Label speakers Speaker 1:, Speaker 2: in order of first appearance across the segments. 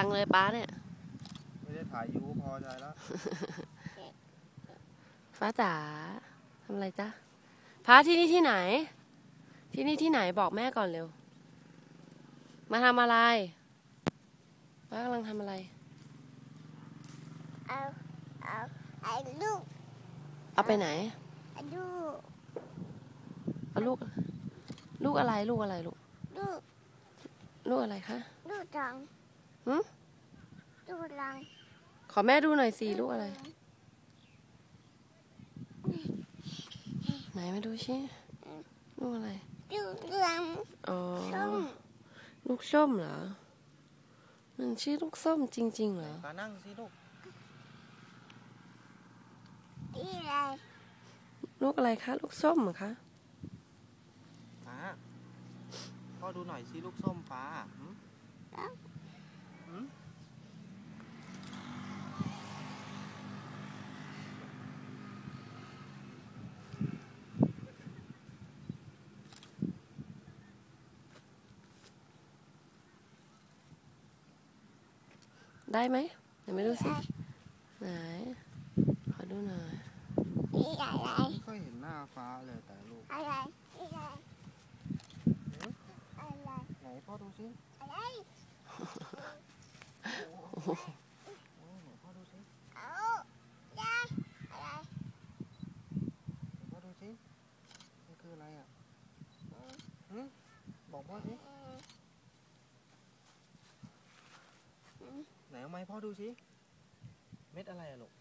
Speaker 1: จังเลยป้าเนี่ย
Speaker 2: ไม่ได้ถ่ายยูพอใจแล้ว
Speaker 1: ฟ้าจ๋าทำอะไรจ๊ะฟ้าที่นี่ที่ไหนที่นี่ที่ไหนบอกแม่ก่อนเร็วมาทำอะไรฟ้ากำลังทำอะไร
Speaker 3: เอาลูก
Speaker 1: เอาไปไหน
Speaker 3: ลูก
Speaker 1: เอาลูกลูกอะไรลูกอะไรลูก
Speaker 3: ลูก
Speaker 1: ลูกอะไรคะ
Speaker 3: ลูกรังลูกรัง
Speaker 1: ขอแม่ดูหน่อยสิลูกอะไรไหนมาดูชิลูกอะไร
Speaker 3: ลูกรัง
Speaker 1: อ๋อ
Speaker 3: ส้ม
Speaker 1: ลูกส้มเหรอมันชื่อลูกส้มจริงๆเหรอ
Speaker 2: มานั่งสิลูก
Speaker 3: นี่อะไร
Speaker 1: ลูกอะไรคะลูกส้มเหรอคะ
Speaker 2: ฟ้าพ่อดูหน่อยสิลูกส้มฟ้า
Speaker 1: ได้ไหมเดี๋ยวมาดูสิไหนขอดูหน่อย
Speaker 3: นี่อะไร
Speaker 2: ไม่ค่อยเห็นหน้าฟ้าเลยแต่ลูก
Speaker 3: อะไรนี่อะไรอะไร
Speaker 2: ไหนพ่อดูสิ
Speaker 3: อะไร
Speaker 2: ไหนพ่อดูสิ
Speaker 3: เอายาอะไร
Speaker 2: พ่อดูสิมันคืออะไรอ่ะบอกพ่อสิไหนเอาไม้พ่อดูสิเม็ดอะไรอะลูก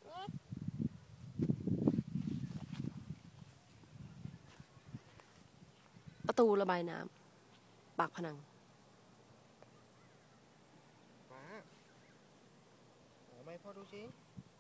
Speaker 1: ประตูระบายน้ำปากพนัง
Speaker 2: ฟ้าเอาไม้พ่อดูสิ